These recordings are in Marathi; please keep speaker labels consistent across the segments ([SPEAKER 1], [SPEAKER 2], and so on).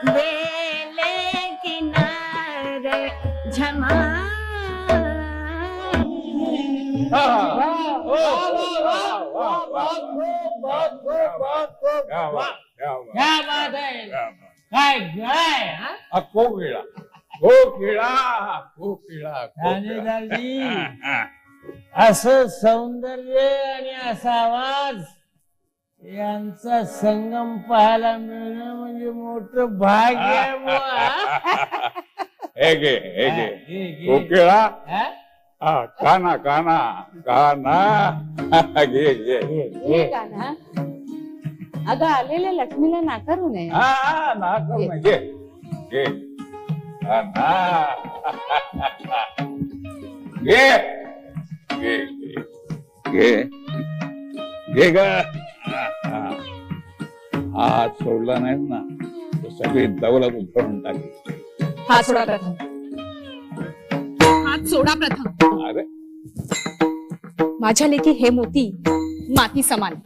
[SPEAKER 1] बेले किनारे झमा
[SPEAKER 2] क्या बात है काय गाय
[SPEAKER 3] कोकिळा कोकिळा कोकिळा
[SPEAKER 2] ठाणेदारजी असं सौंदर्य आणि असा आवाज यांचा संगम पाहायला मिळणं म्हणजे मोठं भाग्य आहे बुवा.
[SPEAKER 3] हे घे कोकिळा काना काना काना घे घे
[SPEAKER 4] हे गाणं अगं आलेल्या लक्ष्मीला नाकारू नये.
[SPEAKER 3] ना घे घे काना घे घे घे घे ग हात सोडला नाही ना तर सगळी दौलत उधळून टाकली.
[SPEAKER 5] हात सोडा प्रथम. हात सोडा प्रथम.
[SPEAKER 3] अरे
[SPEAKER 5] माझ्या लेकी हे मोती माती समान.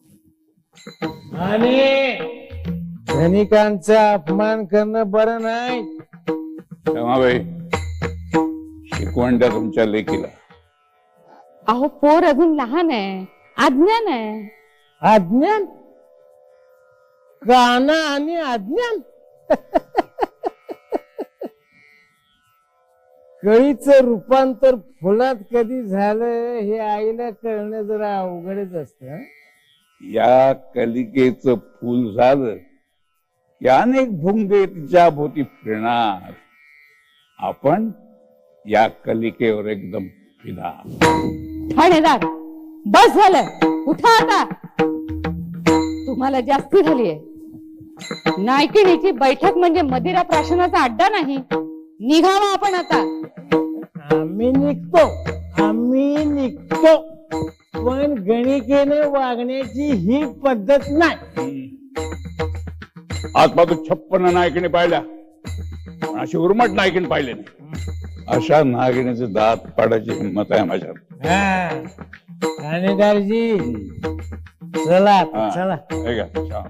[SPEAKER 2] आणि धनिकांचा अपमान करणं बरं नाही.
[SPEAKER 3] क्षमाबाई शिकवण द्या तुमच्या लेकीला.
[SPEAKER 4] अहो पोर अजून लहान आहे, अज्ञान आहे.
[SPEAKER 2] अज्ञान गाणं आणि अज्ञान कळीचं रूपांतर फुलात कधी झालं हे आईला कळणं जरा अवघडच असतं.
[SPEAKER 3] या कलिकेचं फूल झालं की अनेक भुंगे तिच्या भोवती फिरणार. आपण या कलिकेवर एकदम फिदा.
[SPEAKER 4] ठाणेदार बस झालं, उठा आता. तुम्हाला जास्ती झालीये. नायकिणीची बैठक म्हणजे मदिरा प्राशनाचा अड्डा नाही. निघावा आपण आता.
[SPEAKER 2] आम्ही निघतो पण गणिकेने वागण्याची ही पद्धत नाही.
[SPEAKER 3] आजपासून 56 नायकिने पाहिल्या पण अशी उर्मट नायकीने पाहिले नाही. अशा नागिणीचे दात पाडायची हिंमत आहे माझ्यात.
[SPEAKER 2] ठाणेदारजी चला चला.
[SPEAKER 3] हे घ्या, छान.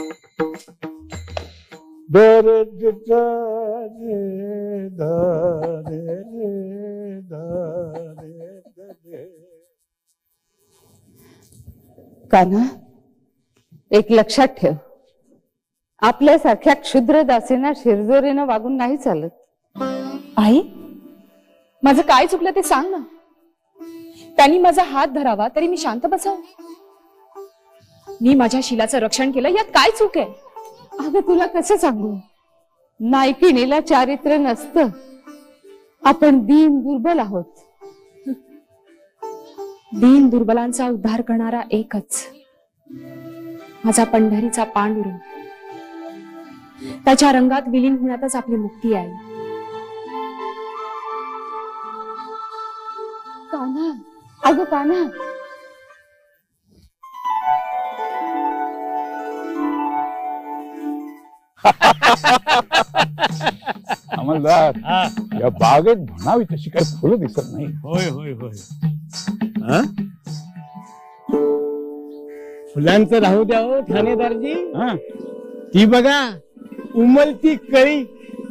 [SPEAKER 4] कान्हा एक लक्षात ठेव, आपल्यासारख्या क्षुद्र दासींना शिरजोरीनं वागून नाही चालत.
[SPEAKER 5] आई माझं काय चुकलं ते सांग ना. त्यांनी माझा हात धरावा तरी मी शांत बसाव. मी माझ्या शीलाचं रक्षण केलं यात काय चूक आहे.
[SPEAKER 4] अगं तुला कसं सांगू, नायकिणीला चारित्र्य नसतं. आपण दीन दुर्बल आहोत.
[SPEAKER 5] दीन दुर्बलांचा उद्धार करणारा एकच माझा पंढरीचा पांडुरंग. त्याच्या रंगात विलीन होण्यातच आपली मुक्ती आहे.
[SPEAKER 4] कान्हा, अगं कान्हा.
[SPEAKER 3] अंमलदार या बागेत म्हणावी तशी काही फुलं दिसत नाही.
[SPEAKER 2] होय होय होय. फुलांचं राहू द्या हो ठाणेदारजी. ती बघा उमलती कळी.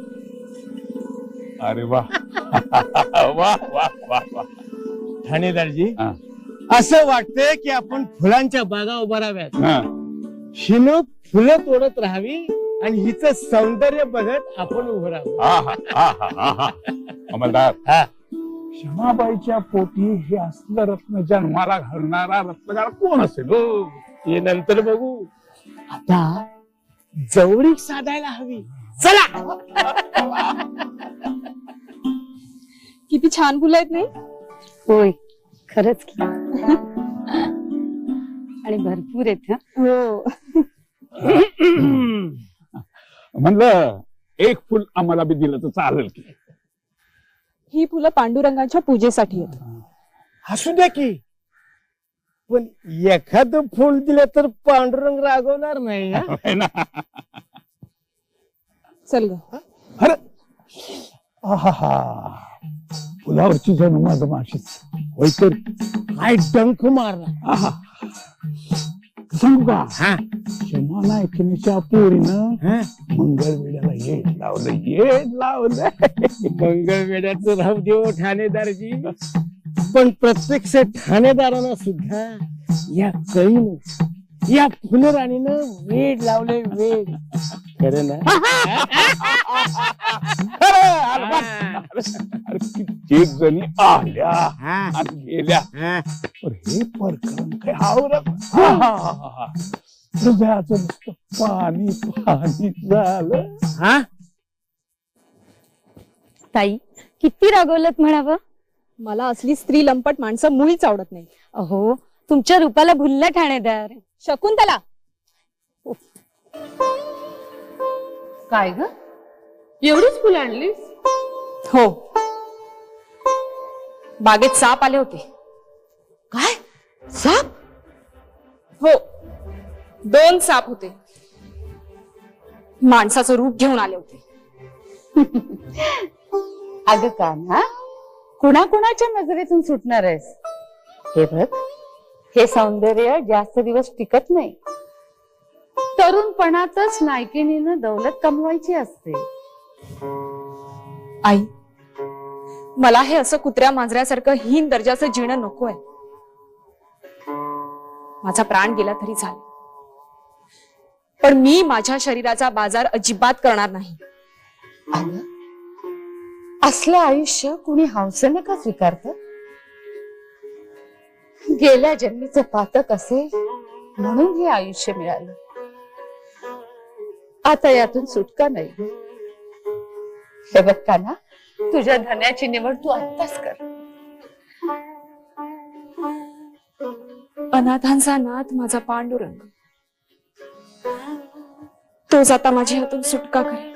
[SPEAKER 3] अरे वा वा वा वा वा.
[SPEAKER 2] ठाणेदारजी असं वाटतंय की आपण फुलांच्या बागा उभाराव्यात. हिनं फुलं तोडत राहावी आणि हिचं सौंदर्य बघत आपण उभं राहावं.
[SPEAKER 3] अंमलदार क्षमाबाईच्या पोटी हे असलं रत्न जन्माला घालणारा रत्नगार कोण असेल?
[SPEAKER 2] हे नंतर बघू. आता जवळीक साधायला हवी. चला.
[SPEAKER 5] किती छान फुलं आहेत नाही.
[SPEAKER 4] होय खरंच की. आणि भरपूर आहेत.
[SPEAKER 5] हो.
[SPEAKER 3] म्हणलं एक फुल आम्हाला बी दिलं तर चालेल की?
[SPEAKER 5] ही फुलं पांडुरंगाच्या पूजेसाठी आहेत.
[SPEAKER 2] हसू द्या की, पण एखादं फुल दिलं तर पांडुरंग रागवणार नाही.
[SPEAKER 5] चल ग.
[SPEAKER 3] अरे फुलावरची जण मधमाशीच होय तर
[SPEAKER 2] काय डंख मारला.
[SPEAKER 3] सांगू का? क्षमा नायकिनीच्या पोरीनं मंगळवेड्याला येड लावलं
[SPEAKER 2] मंगळवेड्याचं राहू देव ठाणेदारजी, पण प्रत्यक्ष ठाणेदारांना सुद्धा या कळीनं, या फुलराणीनं वेड लावले, वेड. खरं ना?
[SPEAKER 3] अरे कित्येक जणी आल्या
[SPEAKER 2] हा.
[SPEAKER 3] आणि गेल्या,
[SPEAKER 2] हा.
[SPEAKER 3] पण हे प्रकरण काय आवरत. हृदयाचं नुसतं पाणी पाणी झालं.
[SPEAKER 2] हा?
[SPEAKER 6] ताई किती रागवलत म्हणावं.
[SPEAKER 5] मला असली स्त्री लंपट माणसं मुळीच आवडत नाही.
[SPEAKER 6] अहो तुमच्या रूपाला भुलला ठाणेदार.
[SPEAKER 5] शकुंतला,
[SPEAKER 4] काय ग, एवढीच फुलं आणलीस?
[SPEAKER 5] हो, बागेत साप आले होते.
[SPEAKER 4] काय, साप?
[SPEAKER 5] हो, 2 साप होते. माणसाचं रूप घेऊन आले होते.
[SPEAKER 4] अगं कान्हा, कुणाकुणाच्या नजरेतून सुटणार आहेस? हे बघ, हे सौंदर्य जास्त दिवस टिकत नाही. तरुणपणातच नायकिणीनं दौलत कमवायची असते.
[SPEAKER 5] आई, मला हे असं कुत्र्या मांजऱ्यासारखं हीन दर्जाचं जीणं नकोय. माझा प्राण गेला तरी चालेल, पण मी माझ्या शरीराचा बाजार अजिबात करणार नाही.
[SPEAKER 4] अगं, असलं आयुष्य कुणी हौसेने का स्वीकारत? गेल्या जन्मीचं पातक असेल म्हणून हे आयुष्य मिळालं. आता यातून सुटका नाही. हे बघ कान्हा, तुझ्या धन्याची निवड तू आत्ताच कर.
[SPEAKER 5] अनाथांचा नाथ माझा पांडुरंग, तोच आता माझ्या हातून सुटका करेल.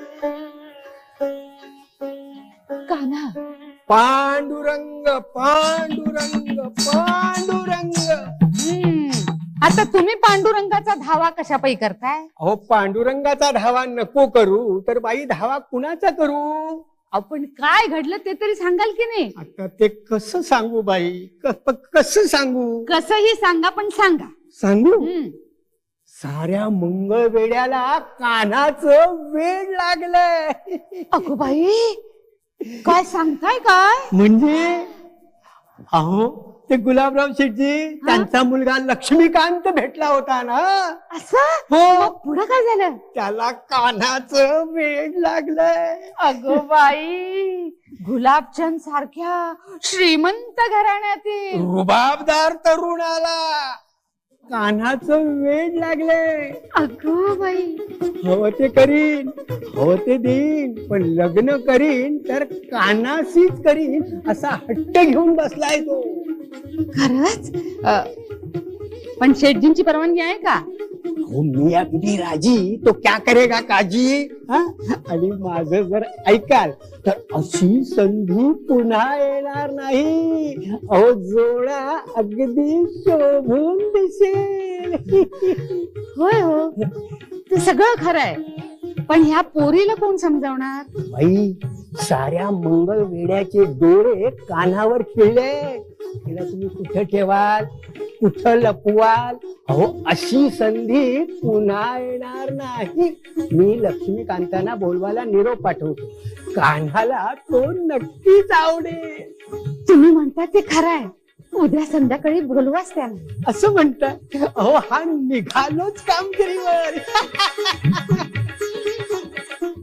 [SPEAKER 4] कान्हा,
[SPEAKER 2] पांडुरंग पांडुरंग पांडुरंग.
[SPEAKER 4] आता तुम्ही पांडुरंगाचा धावा कशापायी करताय?
[SPEAKER 2] अहो, पांडुरंगाचा धावा नको करू तर बाई धावा कुणाचा करू?
[SPEAKER 4] आपण काय घडलं ते तरी सांगाल की नाही?
[SPEAKER 2] आता ते कसं सांगू बाई, कसं सांगू?
[SPEAKER 4] कसंही सांगा, पण सांगा.
[SPEAKER 2] सांगू? साऱ्या मंगळवेड्याला कान्हाचं वेड लागलंय.
[SPEAKER 4] अगो बाई, काय सांगताय काय?
[SPEAKER 2] म्हणजे अहो, ते गुलाबराव शेठजी, त्यांचा मुलगा लक्ष्मीकांत भेटला होता ना.
[SPEAKER 4] असं?
[SPEAKER 2] हो.
[SPEAKER 4] मग पुढं काय झालं?
[SPEAKER 2] त्याला कान्हाचं वेड लागलंय.
[SPEAKER 4] अगो बाई, गुलाबचंद सारख्या श्रीमंत घराण्यातील
[SPEAKER 2] रुबाबदार तरुणाला कान्हाचं वेड लागलंय.
[SPEAKER 4] अगो बाई,
[SPEAKER 2] हवं ते करीन, हवं ते देईन, पण लग्न करीन तर कान्हाशीच करीन असा हट्ट घेऊन बसलाय तो.
[SPEAKER 4] खरंच? पण शेठजींची परवानगी आहे का?
[SPEAKER 2] हो, मी अगदी राजी, तो क्या करेगा काजी. आणि माझं जर ऐकाल तर अशी संधी पुन्हा येणार नाही. अहो, जोडा अगदी शोभून दिसेल.
[SPEAKER 4] होय हो, ते सगळं खरं आहे, पण ह्या पोरीला कोण समजावणार?
[SPEAKER 2] बाई, साऱ्या मंगळवेड्याचे डोळे कानावर खिळले. तिला तुम्ही कुठं ठेवाल, कुठं लपवाल? अहो, अशी संधी पुन्हा येणार नाही. मी लक्ष्मीकांतांना बोलवायला निरोप पाठवतो. कान्हाला तो नक्कीच आवडेल.
[SPEAKER 4] तुम्ही म्हणता ते खरं आहे. उद्या संध्याकाळी बोलवाच त्यांना.
[SPEAKER 2] असं म्हणतात? अहो, हा निघालोच कामगिरीवर.